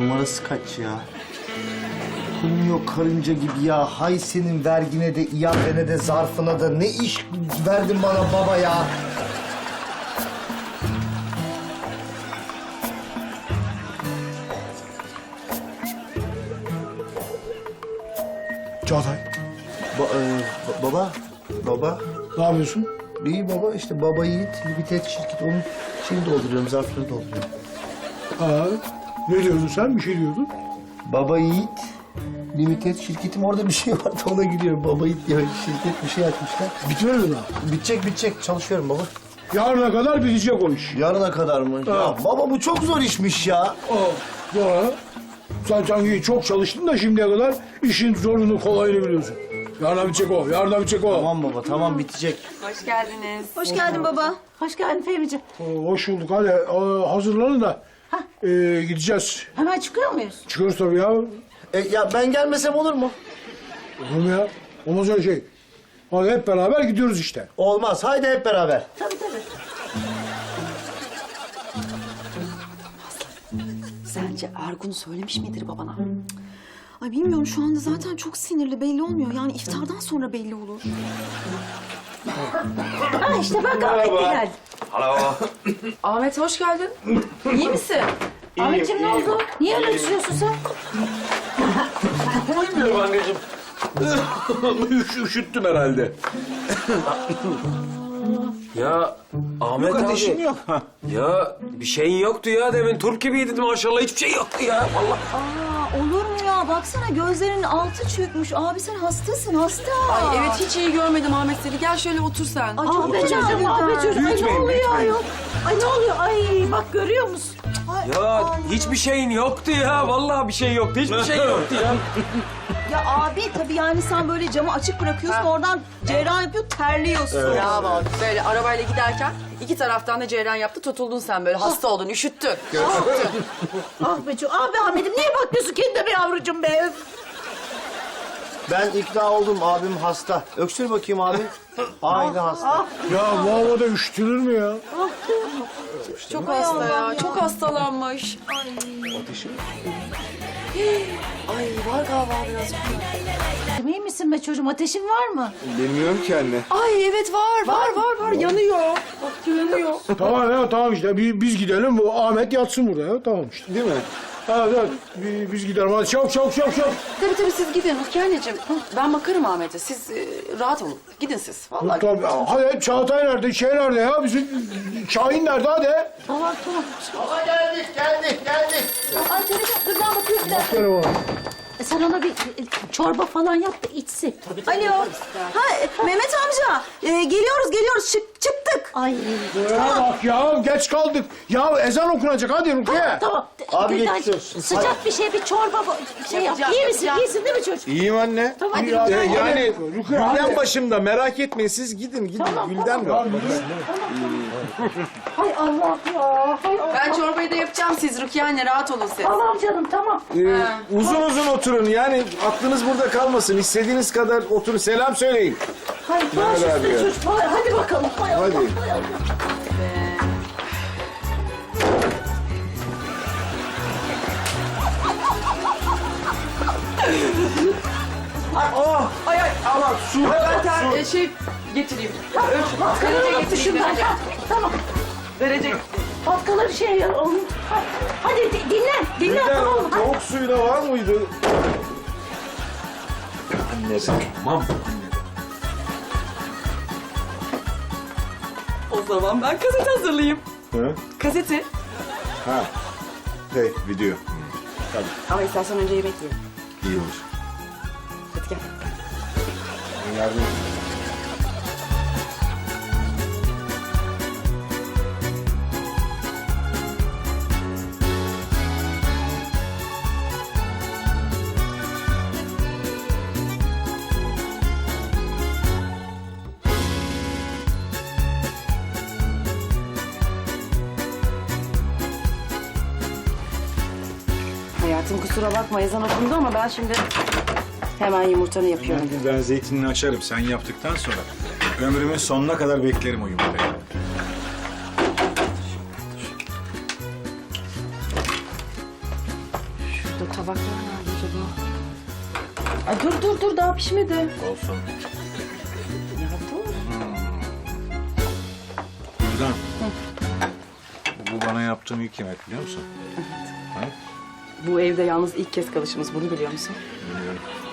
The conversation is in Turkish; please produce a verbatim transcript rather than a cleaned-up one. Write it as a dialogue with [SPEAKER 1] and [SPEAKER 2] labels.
[SPEAKER 1] numarası kaç ya? Kulmuyor karınca gibi ya. Hay senin vergine de, iadene de, zarfına da. Ne iş verdin bana baba ya?
[SPEAKER 2] Çağatay,
[SPEAKER 1] Ba e, ba- baba, baba.
[SPEAKER 2] ne yapıyorsun?
[SPEAKER 1] İyi baba, işte baba Yiğit, Limited şirket. Onun şeyini dolduruyorum, zarfları dolduruyorum.
[SPEAKER 2] Ha, ne diyordun sen? Bir şey diyordun.
[SPEAKER 1] Baba Yiğit, Limited şirketim, orada bir şey vardı, ona gülüyorum. Baba Yiğit diye şirket bir şey açmışlar.
[SPEAKER 2] Bitmedi mi daha?
[SPEAKER 1] Bitecek, bitecek. Çalışıyorum baba.
[SPEAKER 2] Yarına kadar bitecek o iş.
[SPEAKER 1] Yarına kadar mı?
[SPEAKER 2] Ha.
[SPEAKER 1] Ya baba bu çok zor işmiş ya.
[SPEAKER 2] Aa, sonra sen sanki çok çalıştın da şimdiye kadar işin zorunu kolayını biliyorsun. Yarına bitecek o, yarına bitecek o.
[SPEAKER 1] Tamam baba, tamam bitecek.
[SPEAKER 3] Hoş geldiniz.
[SPEAKER 4] Hoş geldin baba.
[SPEAKER 5] Hoş geldin Fehmi'ciğim.
[SPEAKER 2] Ee, Hoş bulduk. Hadi e, hazırlanın da e, gideceğiz.
[SPEAKER 5] Hemen çıkıyor muyuz?
[SPEAKER 2] Çıkıyoruz tabii ya. Olur
[SPEAKER 1] E, ya ben gelmesem olur mu?
[SPEAKER 2] mu ya? Olmaz öyle şey. Hadi hep beraber gidiyoruz işte.
[SPEAKER 1] Olmaz. Haydi hep beraber.
[SPEAKER 5] Tabii tabii.
[SPEAKER 3] Sence Ergun söylemiş midir babana?
[SPEAKER 4] Ay bilmiyorum, şu anda zaten çok sinirli, belli olmuyor. Yani iftardan sonra belli olur.
[SPEAKER 5] Ha işte bak Ahmet de geldi.
[SPEAKER 3] Ahmet hoş geldin. İyi misin?
[SPEAKER 5] Ahmetciğim ne oldu? Niye öyle düşüyorsun sen?
[SPEAKER 6] Bilmiyorum anneciğim. Üş, üşüttüm herhalde.
[SPEAKER 7] Ya Ahmet abi.
[SPEAKER 6] Ateşin yok.
[SPEAKER 7] Ya bir şeyin yoktu ya demin turp gibiydin maşallah hiçbir şey yoktu ya vallahi.
[SPEAKER 4] Aa, olur mu ya? Baksana gözlerinin altı çökmüş. Abi sen hastasın, hasta.
[SPEAKER 3] Ay evet hiç iyi görmedim Ahmet seni. Gel şöyle otur sen.
[SPEAKER 4] Ay, çok
[SPEAKER 5] Ah be
[SPEAKER 4] güzel
[SPEAKER 5] çocuğum, ah be
[SPEAKER 4] güzel.
[SPEAKER 5] çocuğum. Ay ne
[SPEAKER 6] Büyütmeyin,
[SPEAKER 5] oluyor
[SPEAKER 6] büyütmeyin.
[SPEAKER 5] ayol? Ay ne oluyor? Ay bak görüyor musun?
[SPEAKER 7] Ya hiçbir şeyin yoktu ya vallahi bir şey yoktu hiçbir şey yoktu ya.
[SPEAKER 4] Ya abi tabii yani sen böyle camı açık bırakıyorsun, oradan cerrah yapıyor, terliyorsun.
[SPEAKER 3] Bravo. Böyle arabayla giderken iki taraftan da ceyran yaptı. Tutuldun sen böyle. Hasta oldun, üşüttün.
[SPEAKER 5] Ah be çocuğum. Ah be Ahmet'im niye bakmıyorsun kendine yavrucuğum be? Öf.
[SPEAKER 1] Ben ikna oldum, abim hasta. Öksür bakayım abi. Haydi hasta.
[SPEAKER 2] Ya bu havada üşütülür mü ya?
[SPEAKER 3] Çok hasta ya. Çok hastalanmış. Ay. Ay var galiba biraz.
[SPEAKER 5] İyi misin be çocuğum? Ateşin var mı?
[SPEAKER 6] Bilmiyorum ki anne.
[SPEAKER 3] Ay evet var, var, var, var. Yanıyor. Bak yanıyor.
[SPEAKER 2] Tamam ya tamam işte biz, biz gidelim bu Ahmet yatsın burada ya tamam işte.
[SPEAKER 6] Değil mi?
[SPEAKER 2] Evet evet biz, biz gidelim hadi çabuk çabuk çabuk çabuk.
[SPEAKER 3] Tabii tabii siz gidin Rukiye anneciğim. Ben bakarım Ahmet'e. Siz e, rahat olun. Gidin siz. Vallahi.
[SPEAKER 2] Tabii, hadi Çağatay nerede şey nerede ya bizim Şahin nerede hadi.
[SPEAKER 5] Tamam tamam.
[SPEAKER 1] Baba geldik, geldik, geldik.
[SPEAKER 5] Ay telefon dur ben bakıyorum bir dakika.
[SPEAKER 2] Telefon.
[SPEAKER 5] E, Sen ona bir e, çorba falan yap da içsin.
[SPEAKER 4] Alo. Ha e, Mehmet amca, e, geliyoruz geliyoruz, Çık, çıktık.
[SPEAKER 5] Ay
[SPEAKER 2] Ya bak ya geç kaldık. Ya ezan okunacak hadi Rukiye.
[SPEAKER 5] tamam.
[SPEAKER 1] Abi
[SPEAKER 5] Gülden,
[SPEAKER 1] geçmiş olsun.
[SPEAKER 5] Sıcak bir şey bir çorba bu- şey yap.
[SPEAKER 3] Yapacağım,
[SPEAKER 5] İyi misin?
[SPEAKER 3] yapacağım.
[SPEAKER 5] İyisin değil mi çocuk?
[SPEAKER 6] İyiyim anne.
[SPEAKER 5] Tamam hadi.
[SPEAKER 2] İyi, hadi.
[SPEAKER 6] Ee, yani
[SPEAKER 2] Rukiye, hadi.
[SPEAKER 6] Gülden başımda merak etmeyin siz gidin gidin.
[SPEAKER 5] Tamam,
[SPEAKER 6] Gülden
[SPEAKER 5] tamam.
[SPEAKER 6] var.
[SPEAKER 5] Hay Allah ya. Hay Allah.
[SPEAKER 3] Ben çorbayı da yapacağım siz Rukiye anne. Rahat olun siz.
[SPEAKER 5] Tamam canım tamam.
[SPEAKER 6] Ee, uzun uzun oturun yani aklınız burada kalmasın. İstediğiniz kadar oturun selam söyleyin.
[SPEAKER 5] Hay baş
[SPEAKER 6] abi
[SPEAKER 5] üstüne
[SPEAKER 6] ya.
[SPEAKER 5] çocuk. Hay, hadi bakalım. Hay Allah.
[SPEAKER 6] Hadi.
[SPEAKER 5] Hay Allah.
[SPEAKER 3] Ay ay aman su. Ben ter, e, şey getireyim. Ölç. Derece
[SPEAKER 5] Şundan.
[SPEAKER 3] getireyim. Derece.
[SPEAKER 5] Tamam.
[SPEAKER 3] Derece.
[SPEAKER 5] Patkaları şey ya. oğlum. Ha- Hadi di- dinlen. Dinlen
[SPEAKER 6] Gülden
[SPEAKER 5] tamam mı? Hadi.
[SPEAKER 6] tavuk suyu da var mıydı?
[SPEAKER 7] Tamam.
[SPEAKER 3] O zaman ben gazete hazırlayayım.
[SPEAKER 6] Hı?
[SPEAKER 3] Gazete.
[SPEAKER 6] Ha. Hey video.
[SPEAKER 3] Ama istersen önce yemek yiyelim.
[SPEAKER 6] İyi olur.
[SPEAKER 3] Hadi gel.
[SPEAKER 6] Yardım.
[SPEAKER 3] Hayatım kusura bakma ezan okundu ama ben şimdi hemen yumurtanı yapıyorum.
[SPEAKER 8] Ben zeytinini açarım sen yaptıktan sonra. Ömrümün sonuna kadar beklerim o yumurtayı.
[SPEAKER 3] Şurada tabaklar nerede acaba? Ay dur dur dur daha pişmedi.
[SPEAKER 8] Olsun.
[SPEAKER 3] Ya dur.
[SPEAKER 8] Gülden. Bu bana yaptığım ilk yemek biliyor musun? Ha?
[SPEAKER 3] Bu evde yalnız ilk kez kalışımız, bunu biliyor musun?
[SPEAKER 8] Biliyorum.